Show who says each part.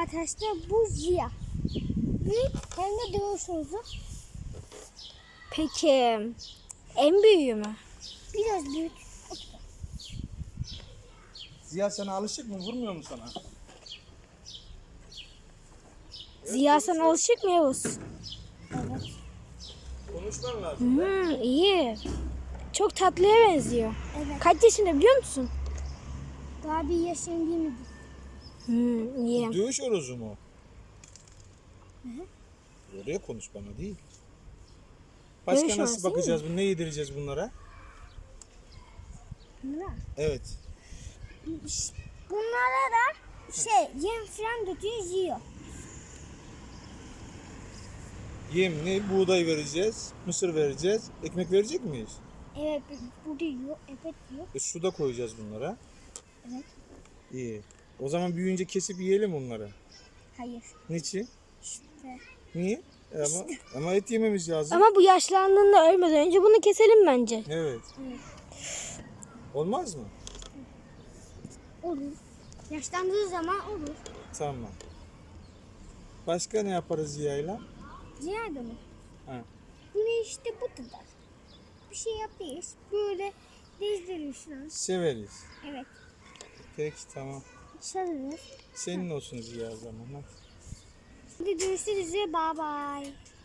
Speaker 1: arkadaşlar bu Ziya. Büyük hem de dövüş uzu.
Speaker 2: Peki en büyüğü mü?
Speaker 1: Biraz büyük.
Speaker 3: Ziya sana alışık mı? Vurmuyor mu sana?
Speaker 2: Ziya sana alışık mı Yavuz?
Speaker 1: Evet.
Speaker 3: Konuşman lazım.
Speaker 2: İyi. Çok tatlıya benziyor.
Speaker 1: Evet.
Speaker 2: Kaç yaşında biliyor musun?
Speaker 1: Daha bir yaşım değil mi?
Speaker 2: İyi.
Speaker 3: Dövüş orozu mu? Oraya konuş bana değil. Başka
Speaker 2: Dövüş
Speaker 3: nasıl
Speaker 2: orozu değil
Speaker 3: bakacağız? Ne yedireceğiz bunlara?
Speaker 1: Bunlar.
Speaker 3: Evet.
Speaker 1: Bunlara da yem falan döküyor, yiyor.
Speaker 3: Yem ne? Buğday vereceğiz. Mısır vereceğiz. Ekmek verecek miyiz?
Speaker 1: Evet, burada yiyor, evet yiyor.
Speaker 3: Su da koyacağız bunlara.
Speaker 1: Evet.
Speaker 3: İyi. O zaman büyüyünce kesip yiyelim onları.
Speaker 1: Hayır.
Speaker 3: Niçin?
Speaker 1: İşte.
Speaker 3: Niye? Ama et yememiz lazım.
Speaker 2: Ama bu yaşlandığında ölmeden önce bunu keselim bence.
Speaker 3: Evet.
Speaker 1: Evet.
Speaker 3: Olmaz mı?
Speaker 1: Olur. Yaşlandığı zaman olur.
Speaker 3: Tamam. Başka ne yaparız Ziya'yla?
Speaker 1: Ziyade mi?
Speaker 3: Ha.
Speaker 1: Bunu işte bu kadar. Bir şey yapıyoruz. Böyle dizdiriyorsunuz.
Speaker 3: Severiz.
Speaker 1: Evet.
Speaker 3: Peki tamam.
Speaker 1: Sarılır.
Speaker 3: Senin olsun Ziya o zaman. Hadi.
Speaker 1: Hadi görüşürüz. Bye bye.